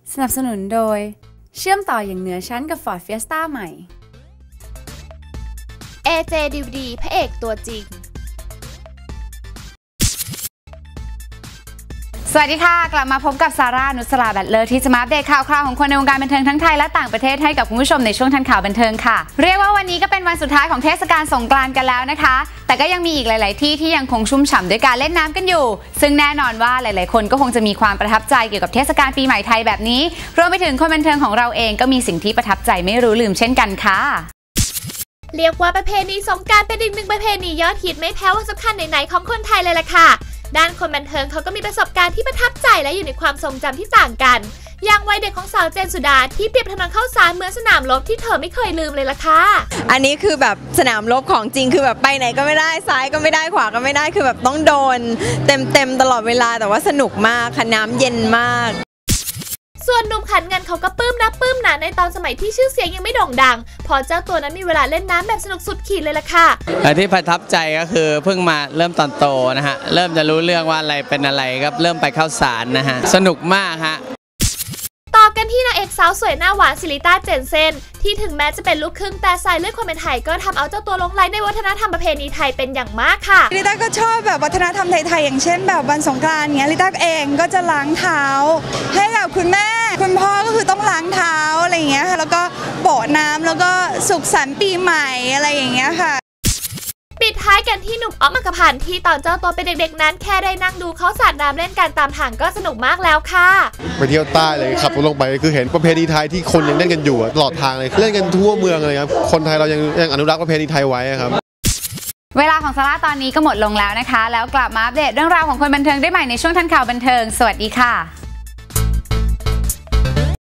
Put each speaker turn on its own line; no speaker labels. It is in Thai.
สนับสนุนโดยเชื่อมต่ออย่างเหนือชั้นกับ Ford Fiesta ใหม่
AJ DVD พระเอกตัวจริง
สวัสดีค่ะกลับมาพบกับซาร่า นุสรา แบตเลอร์ที่จะมาอัปเดตข่าวคราวของคนในวงการบันเทิงทั้งไทยและต่างประเทศให้กับคุณผู้ชมในช่วงทันข่าวบันเทิงค่ะเรียกว่าวันนี้ก็เป็นวันสุดท้ายของเทศกาลสงกรานต์กันแล้วนะคะแต่ก็ยังมีอีกหลายๆที่ยังคงชุ่มฉ่ำด้วยการเล่นน้ำกันอยู่ซึ่งแน่นอนว่าหลายๆคนก็คงจะมีความประทับใจเกี่ยวกับเทศกาลปีใหม่ไทยแบบนี้รวมไปถึงคนบันเทิงของเราเองก็มีสิ่งที่ประทับใจไม่รู้ลืมเช่นกันค่ะ
เรียกว่าประเพณีสงกรานต์เป็นอีกหนึ่งประเพณียอดฮิตไม่แพ้วันสำคัญไหนๆของคนไทยเลยล่ะค่ะด้านคนบันเทิงเขาก็มีประสบการณ์ที่ประทับใจและอยู่ในความทรงจำที่ต่างกันอย่างวัยเด็กของสาวเจนสุดาที่เปรียบถนนข้าวสารเหมือนสนามรบที่เธอไม่เคยลืมเลยล่ะค่ะ
อันนี้คือแบบสนามรบของจริงคือแบบไปไหนก็ไม่ได้ซ้ายก็ไม่ได้ขวาก็ไม่ได้คือแบบต้องโดนเต็มตลอดเวลาแต่ว่าสนุกมากค่ะน้ำเย็นมาก
ส่วนหนุ่มขันเงินเขาก็ปลื้มหนาในตอนสมัยที่ชื่อเสียงยังไม่โด่งดังพอเจ้าตัวนั้นมีเวลาเล่นน้ำแบบสนุกสุดขีดเลยล่ะค่ะ
ที่ประทับใจก็คือเพิ่งมาเริ่มตอนโตนะฮะเริ่มจะรู้เรื่องว่าอะไรเป็นอะไรครับเริ่มไปเข้าสารนะฮะสนุกมากฮะ
ต่อกันที่นางเอกสาวสวยหน้าหวานซิลิต้าเจนเซนที่ถึงแม้จะเป็นลูกครึ่งแต่สายเลือดความเป็นไทยก็ทำเอาเจ้าตัวหลงใหลในวัฒนธรรมประเพณีไทยเป็นอย่างมากค่ะ
ลิต้าก็ชอบแบบวัฒนธรรมไทยๆอย่างเช่นแบบวันสงกรานต์เงี้ยลิต้าเองก็จะล้างเท้าให้กับคุณแม่คุณพ่อก็คือต้องล้างเท้าอะไรอย่างเงี้ยค่ะแล้วก็โปะน้ำแล้วก็สุขสันต์ปีใหม่อะไรอย่างเงี้ยค่ะ
ปิดท้ายกันที่หนุ่มอ๊อฟอัครพันธ์ที่ตอนเจ้าตัวเป็นเด็กๆนั้นแค่ได้นั่งดูเขาสาดน้ำเล่นกันตามทางก็สนุกมากแล้วค่ะ
ไปเที่ยวใต้เลยขับรถลงไปคือเห็นประเพณีไทยที่คนยังเล่นกันอยู่ตลอดทางเลยเล่นกันทั่วเมืองเลยครับคนไทยเรายังอนุรักษ์ประเพณีไทยไว้ครับ
เวลาของซาร่าตอนนี้ก็หมดลงแล้วนะคะแล้วกลับมาอัปเดตเรื่องราวของคนบันเทิงได้ใหม่ในช่วงทันข่าวบันเทิงสวัสดีค่ะ